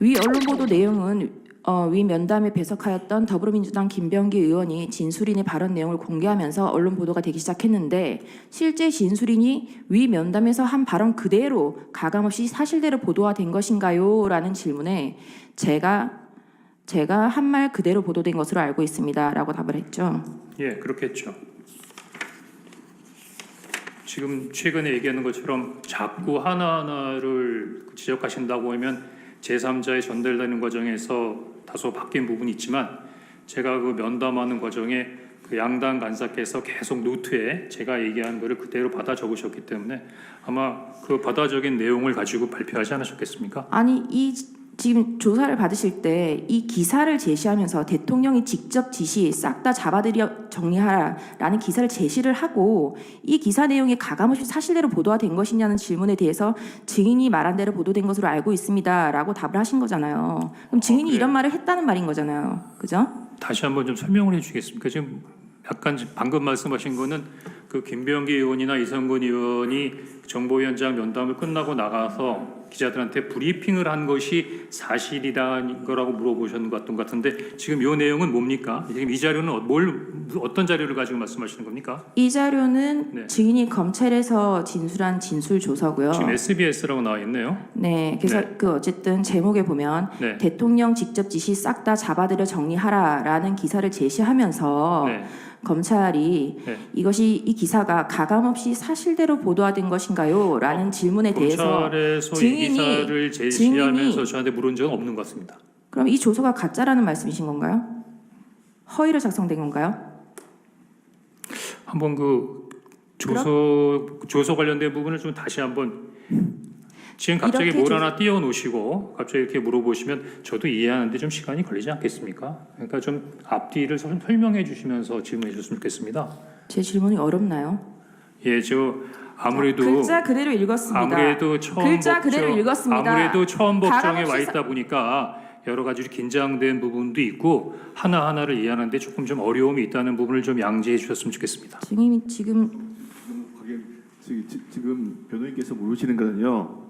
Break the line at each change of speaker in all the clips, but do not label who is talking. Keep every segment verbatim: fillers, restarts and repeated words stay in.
위 언론 보도 내용은 어, 위 면담에 배석하였던 더불어민주당 김병기 의원이 진술인의 발언 내용을 공개하면서 언론 보도가 되기 시작했는데 실제 진술인이 위 면담에서 한 발언 그대로 가감없이 사실대로 보도가 된 것인가요? 라는 질문에 제가 제가 한 말 그대로 보도된 것으로 알고 있습니다. 라고 답을 했죠.
예, 그렇겠죠. 지금 최근에 얘기하는 것처럼 자꾸 하나하나를 지적하신다고 하면 제삼자에 전달되는 과정에서 다소 바뀐 부분이 있지만 제가 그 면담하는 과정에 그 양당 간사께서 계속 노트에 제가 얘기한 거를 그대로 받아 적으셨기 때문에 아마 그 받아 적인 내용을 가지고 발표하지 않으셨겠습니까?
아니 이 지금 조사를 받으실 때 이 기사를 제시하면서 대통령이 직접 지시 싹 다 잡아들여 정리하라라는 기사를 제시를 하고 이 기사 내용이 가감없이 사실대로 보도가 된 것이냐는 질문에 대해서 증인이 말한 대로 보도된 것으로 알고 있습니다라고 답을 하신 거잖아요. 그럼 증인이
어, 그래요?
이런 말을 했다는 말인 거잖아요. 그죠?
다시 한번 좀 설명을 해주시겠습니까? 지금 약간 방금 말씀하신 거는 그 김병기 의원이나 이성근 의원이 정보위원장 면담을 끝나고 나가서 기자들한테 브리핑을 한 것이 사실이라는 거라고 물어보셨는 것 같은데 지금 이 내용은 뭡니까? 지금 이 자료는 뭘 어떤 자료를 가지고 말씀하시는 겁니까?
이 자료는
네.
증인이 검찰에서 진술한 진술 조서고요.
지금 에스비에스라고 나와 있네요.
네, 그래서
네.
그 어쨌든 제목에 보면
네.
대통령 직접 지시 싹 다 잡아들여 정리하라라는 기사를 제시하면서
네.
검찰이
네.
이것이 이 기사가 가감없이 사실대로 보도화된 것인가요? 라는
어,
질문에 대해서
검찰에서
증인이-
이 기사를 제시하면서
증인이-
저한테 물은 적은 없는 것 같습니다.
그럼 이 조서가 가짜라는 말씀이신 건가요? 허위로 작성된 건가요?
한번 그 조서 조서 관련된 부분을 좀 다시 한번 지금 갑자기
이렇게
뭘
조-
하나 띄워 놓으시고 갑자기 이렇게 물어보시면 저도 이해하는데 좀 시간이 걸리지 않겠습니까? 그러니까 좀 앞뒤를 설- 설명해 주시면서 질문해 주셨으면 좋겠습니다.
제 질문이 어렵나요?
예, 저 아무래도
자, 글자 그대로 읽었습니다.
아무래도 처음
글자
법정,
그대로 읽었습니다.
아무래도 처음 법정에
가감없이
와 있다 보니까 여러 가지 긴장된 부분도 있고 하나 하나를 이해하는데 조금 좀 어려움이 있다는 부분을 좀 양지해 주셨으면 좋겠습니다.
증인이 지금
하긴 지- 지- 지금 변호인께서 물으시는 거는요.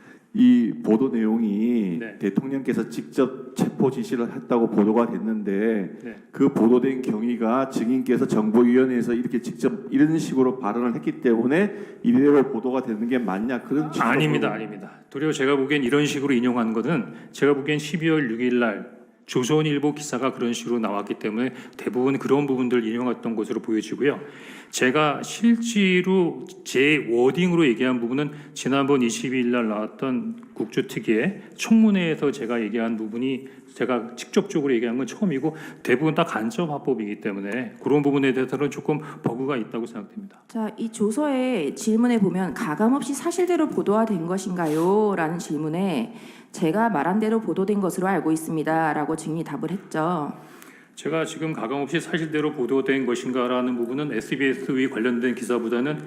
이 보도 내용이
네.
대통령께서 직접 체포 지시를 했다고 보도가 됐는데
네.
그 보도된 경위가 증인께서 정보위원회에서 이렇게 직접 이런 식으로 발언을 했기 때문에 이대로 보도가 되는 게 맞냐 그런 취지로
아닙니다,
물어보는
아닙니다. 도리어 제가 보기엔 이런 식으로 인용한 것은 제가 보기엔 십이월 육일 날 조선일보 기사가 그런 식으로 나왔기 때문에 대부분 그런 부분들 인용했던 것으로 보여지고요. 제가 실제로 제 워딩으로 얘기한 부분은 지난번 이십이일 날 나왔던 국조특위의 청문회에서 제가 얘기한 부분이 제가 직접적으로 얘기한 건 처음이고 대부분 다 간접 화법이기 때문에 그런 부분에 대해서는 조금 버그가 있다고 생각됩니다.
자, 이 조서의 질문에 보면 가감없이 사실대로 보도화된 것인가요? 라는 질문에 제가 말한 대로 보도된 것으로 알고 있습니다. 라고 증인이 답을 했죠.
제가 지금 가감없이 사실대로 보도된 것인가라는 부분은 에스비에스와 관련된 기사보다는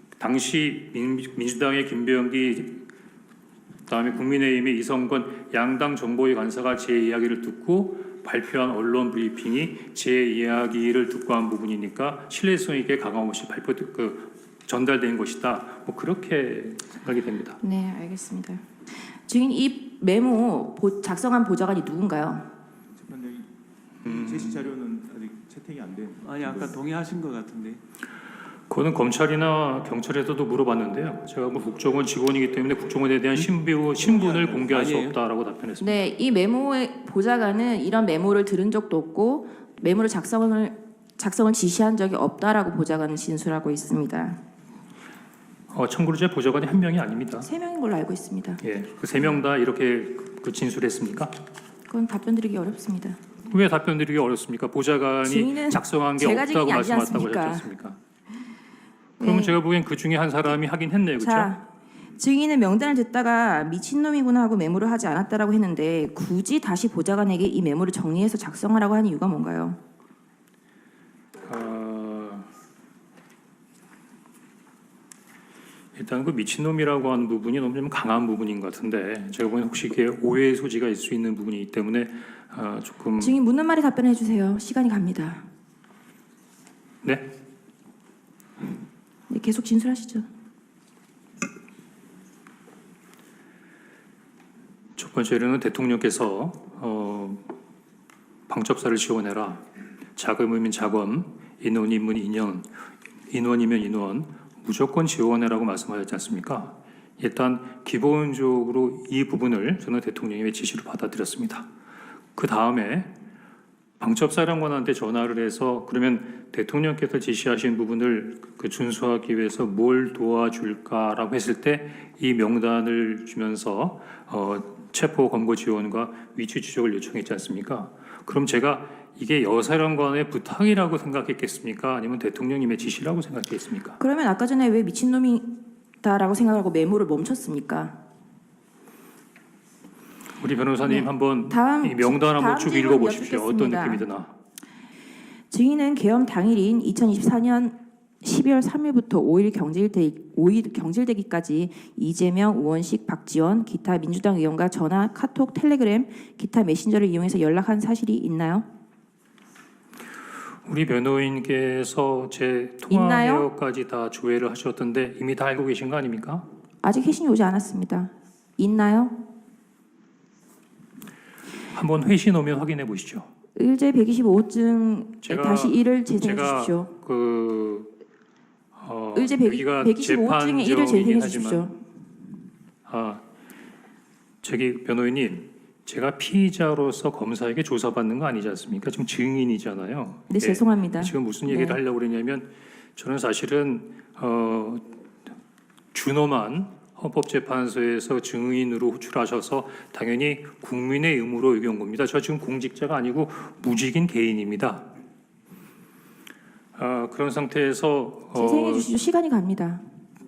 당시 민, 민주당의 김병기 그다음에 국민의힘의 이성건 양당 정보위 간사가 제 이야기를 듣고 발표한 언론 브리핑이 제 이야기를 듣고 한 부분이니까 신뢰성 있게 가감없이 발표 그 전달된 것이다. 뭐 그렇게 생각이 됩니다.
네, 알겠습니다. 증인 이 메모 보- 작성한 보좌관이 누군가요?
재판장이
음.
제시 자료는 아직 채택이 안 된.
아니 아까 동의하신 것 같은데.
그거는 검찰이나 경찰에서도 물어봤는데요. 제가 뭐 국정원 직원이기 때문에 국정원에 대한 신부, 신분을 공개할 수
아니에요.
없다라고 답변했습니다.
네, 이 메모의 보좌관은 이런 메모를 들은 적도 없고 메모를 작성을 작성을 지시한 적이 없다라고 보좌관은 진술하고 있습니다.
어, 참고로 제 보좌관이 한 명이 아닙니다.
세 명인 걸로 알고 있습니다.
예, 그 세 명 다 이렇게 그 진술했습니까?
그건 답변드리기 어렵습니다.
왜 답변드리기 어렵습니까? 보좌관이
증인은
작성한 게
제가
없다고
증인이 아니지
말씀하셨다고
않습니까?
하셨지 않습니까? 그러면
네.
제가 보기엔 그 중에 한 사람이 하긴 했네요, 그렇죠?
자, 증인은 명단을 듣다가 미친놈이구나 하고 메모를 하지 않았다라고 했는데 굳이 다시 보좌관에게 이 메모를 정리해서 작성하라고 하는 이유가 뭔가요?
어, 일단 그 미친놈이라고 하는 부분이 너무 좀 강한 부분인 것 같은데 제가 보기엔 혹시 이게 오해의 소지가 있을 수 있는 부분이기 때문에 어, 조금
증인 묻는 말에 답변해 주세요. 시간이 갑니다.
네?
네, 계속 진술하시죠.
첫 번째로는 대통령께서 어, 방첩사를 지원해라. 자금이면 자금, 인원이면 인원, 인원이면 인원 무조건 지원해라고 말씀하셨지 않습니까? 일단 기본적으로 이 부분을 저는 대통령의 지시를 받아들였습니다. 그 다음에 방첩사령관한테 전화를 해서 그러면 대통령께서 지시하신 부분을 그 준수하기 위해서 뭘 도와줄까라고 했을 때 이 명단을 주면서 어, 체포 검거 지원과 위치 추적을 요청했지 않습니까? 그럼 제가 이게 여사령관의 부탁이라고 생각했겠습니까? 아니면 대통령님의 지시라고 생각했습니까?
그러면 아까 전에 왜 미친놈이다라고 생각하고 메모를 멈췄습니까?
우리 변호사님
네.
한번
다음-
이 명단 한번
다음
쭉
질문
읽어보십시오. 어떤
여쭙겠습니다.
느낌이 드나?
증인은 계엄 당일인 이천이십사 년 십이월 삼일부터 오일 경질되, 오일 경질되기까지 이재명, 우원식, 박지원, 기타 민주당 의원과 전화, 카톡, 텔레그램, 기타 메신저를 이용해서 연락한 사실이 있나요?
우리 변호인께서 제 통화
있나요?
내역까지 다 조회를 하셨던데 이미 다 알고 계신 거 아닙니까?
아직 회신이 오지 않았습니다. 있나요?
한번 회신 오면 확인해 보시죠.
의제 백이십오 증에
제가-
다시 이를 재생해
제가
주십시오.
그 어,
의제
여기가
백이십오 증에 이를 재생해
재판정이긴
주십시오.
하지만 아 저기 변호인님 제가 피의자로서 검사에게 조사받는 거 아니지 않습니까? 지금 증인이잖아요.
네,
예.
죄송합니다.
지금 무슨 얘기를
네.
하려고 그러냐면 저는 사실은 어, 준엄한 헌법재판소에서 증인으로 호출하셔서 당연히 국민의 의무로 여겨온 겁니다. 저 지금 공직자가 아니고 무직인 개인입니다. 아, 그런 상태에서
재생해
어,
주십시오. 시간이 갑니다.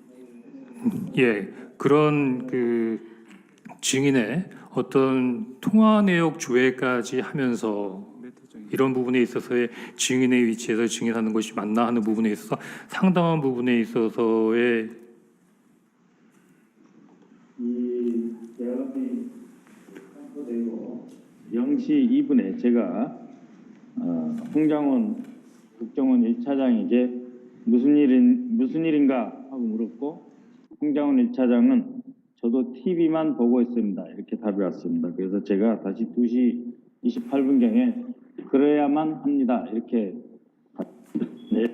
예 그런 그 증인의 어떤 통화 내역 조회까지 하면서 이런 부분에 있어서의 증인의 위치에서 증인하는 것이 맞나 하는 부분에 있어서 상당한 부분에 있어서의
이 대화이 선포되고 영 시 이 분에 제가 어, 홍장원 국정원 일 차장에게 무슨 일인 무슨 일인가 하고 물었고 홍장원 일 차장은 저도 티비만 보고 있습니다 이렇게 답이 왔습니다. 그래서 제가 다시 두 시 이십팔 분경에 그래야만 합니다 이렇게 네.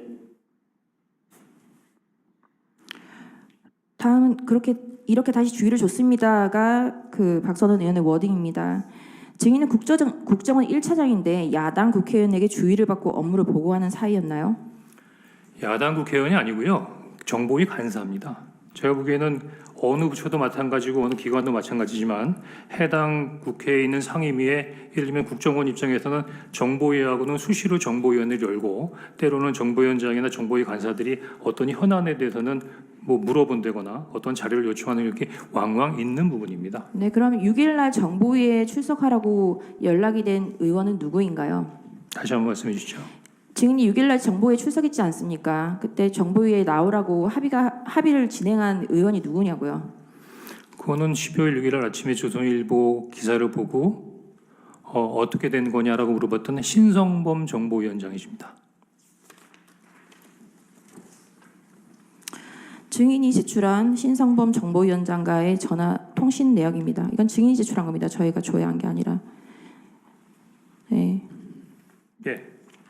다음은 그렇게 이렇게 다시 주의를 줬습니다가 그 박선원 의원의 워딩입니다. 증인은 국정, 국정원 일 차장인데 야당 국회의원에게 주의를 받고 업무를 보고하는 사이였나요?
야당 국회의원이 아니고요. 정보위 간사입니다. 제가 보기에는 어느 부처도 마찬가지고 어느 기관도 마찬가지지만 해당 국회에 있는 상임위에 예를 들면 국정원 입장에서는 정보위하고는 수시로 정보위원회를 열고 때로는 정보위원장이나 정보위 간사들이 어떤 현안에 대해서는 뭐 물어본다거나 어떤 자료를 요청하는 이렇게 왕왕 있는 부분입니다.
네, 그럼 육 일날 정보위에 출석하라고 연락이 된 의원은 누구인가요?
다시 한번 말씀해 주시죠.
증인이 육 일날 정보위에 출석했지 않습니까? 그때 정보위에 나오라고 합의가 합의를 진행한 의원이 누구냐고요?
그거는 십이월 육일 아침에 조선일보 기사를 보고 어, 어떻게 된 거냐라고 물어봤던 신성범 정보위원장이십니다.
증인이 제출한 신성범 정보위원장과의 전화 통신 내역입니다. 이건 증인이 제출한 겁니다. 저희가 조회한 게 아니라. 네.
예.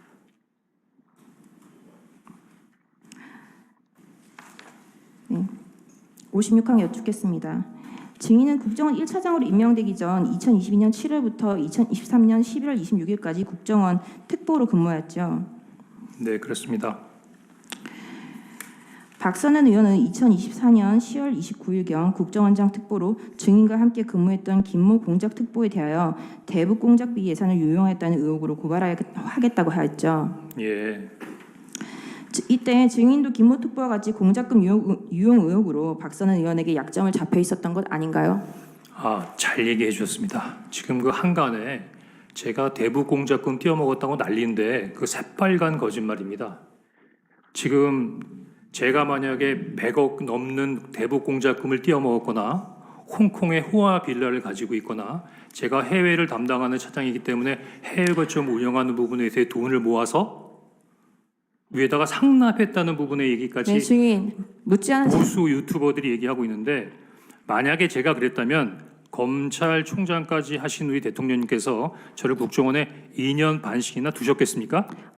오십육 항 여쭙겠습니다. 증인은 국정원 일 차장으로 임명되기 전 이천이십이 년 칠월부터 이천이십삼 년 십일월 이십육일까지 국정원 특보로 근무했죠.
네, 그렇습니다.
박선원 의원은 이천이십사 년 시월 이십구일경 국정원장 특보로 증인과 함께 근무했던 김모 공작특보에 대하여 대북 공작비 예산을 유용했다는 의혹으로 고발하겠다고 하였죠.
예.
이때 증인도 김모 특보와 같이 공작금 유용, 유용 의혹으로 박선원 의원에게 약점을 잡혀 있었던 것 아닌가요?
아, 잘 얘기해 주셨습니다. 지금 그 한간에 제가 대북 공작금 띄어먹었다고 난리인데 그 새빨간 거짓말입니다. 지금 제가 만약에 백억 넘는 대북 공작금을 띄어먹었거나 홍콩의 호화 빌라를 가지고 있거나 제가 해외를 담당하는 차장이기 때문에 해외 거점 운영하는 부분에서 돈을 모아서 위에다가 상납했다는 부분의 얘기까지
네, 증인 묻지 않은
보수 유튜버들이 얘기하고 있는데 만약에 제가 그랬다면 검찰총장까지 하신 우리 대통령님께서 저를 국정원에 이 년 반씩이나 두셨겠습니까?